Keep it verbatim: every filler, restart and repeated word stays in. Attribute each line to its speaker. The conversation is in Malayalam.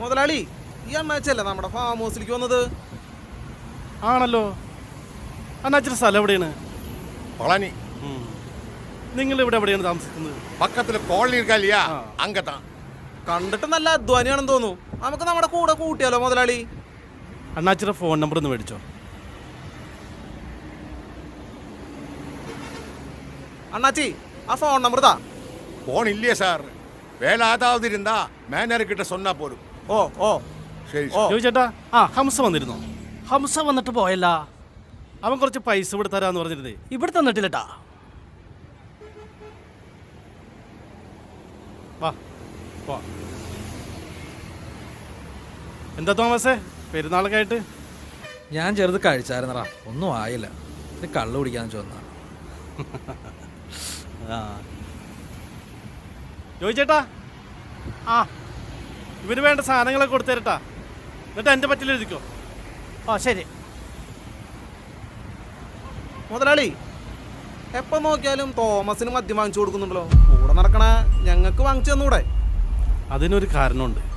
Speaker 1: മുതലാളി, ഈ അമ്മച്ചല്ലേ നമ്മുടെ ഫാം ഹൗസിലേക്ക് വന്നത്?
Speaker 2: ആണല്ലോ. അണ്ണാച്ചിയുടെ സ്ഥലം എവിടെയാണ്?
Speaker 3: പളനി.
Speaker 2: നിങ്ങൾ ഇവിടെ എവിടെയാണ് താമസിക്കുന്നത്?
Speaker 3: പക്കത്തില് കോളനി ഇരിക്കാ അങ്ങത്താ.
Speaker 1: കണ്ടിട്ട് നല്ല അധ്വാനിയാണെന്ന് തോന്നുന്നു. നമുക്ക് നമ്മുടെ കൂടെ കൂട്ടിയാലോ മുതലാളി?
Speaker 2: അണ്ണാച്ചിയുടെ ഫോൺ നമ്പർ ഒന്ന് മേടിച്ചോ.
Speaker 1: അണ്ണാച്ചി, ആ ഫോൺ നമ്പർ താ.
Speaker 3: ഫോൺ ഇല്ലേ സാർ? വേല ആതാവത് ഇരുന്നാ മാനേജർക്കിட்ட சொன்னா പോലും.
Speaker 1: ഓ ഓ
Speaker 3: ശരി.
Speaker 2: ചോദിച്ചേട്ടാ, ആ ഹംസ വന്നിരുന്നോ? ഹംസ വന്നിട്ട് പോയല്ല. അവൻ കുറച്ച് പൈസ ഇവിടെ തരാന്ന് പറഞ്ഞിരുന്നേ.
Speaker 4: ഇവിടെ തന്നിട്ടില്ലട്ടാ.
Speaker 2: വാ വാ. എന്താ തോമസേ, പെരുന്നാളൊക്കെ ആയിട്ട്?
Speaker 4: ഞാൻ ചെറുത് കഴിച്ചായിരുന്നടാ, ഒന്നും ആയില്ല. ഇത് കള്ളു കുടിക്കാന്ന് ചോദിച്ചാ.
Speaker 2: ആ ചോദിച്ചേട്ടാ, ആ ഇവന് വേണ്ട സാധനങ്ങളൊക്കെ കൊടുത്തേരട്ടാ. എന്നിട്ട് എൻ്റെ പറ്റിൽ എഴുതിക്കോ.
Speaker 4: ആ ശരി
Speaker 1: മുതലാളി. എപ്പോൾ നോക്കിയാലും തോമസിന് മദ്യം വാങ്ങിച്ചു കൊടുക്കുന്നുണ്ടല്ലോ. കൂടെ നടക്കണ ഞങ്ങൾക്ക് വാങ്ങിച്ചു തന്നൂടെ?
Speaker 2: അതിനൊരു കാരണമുണ്ട്.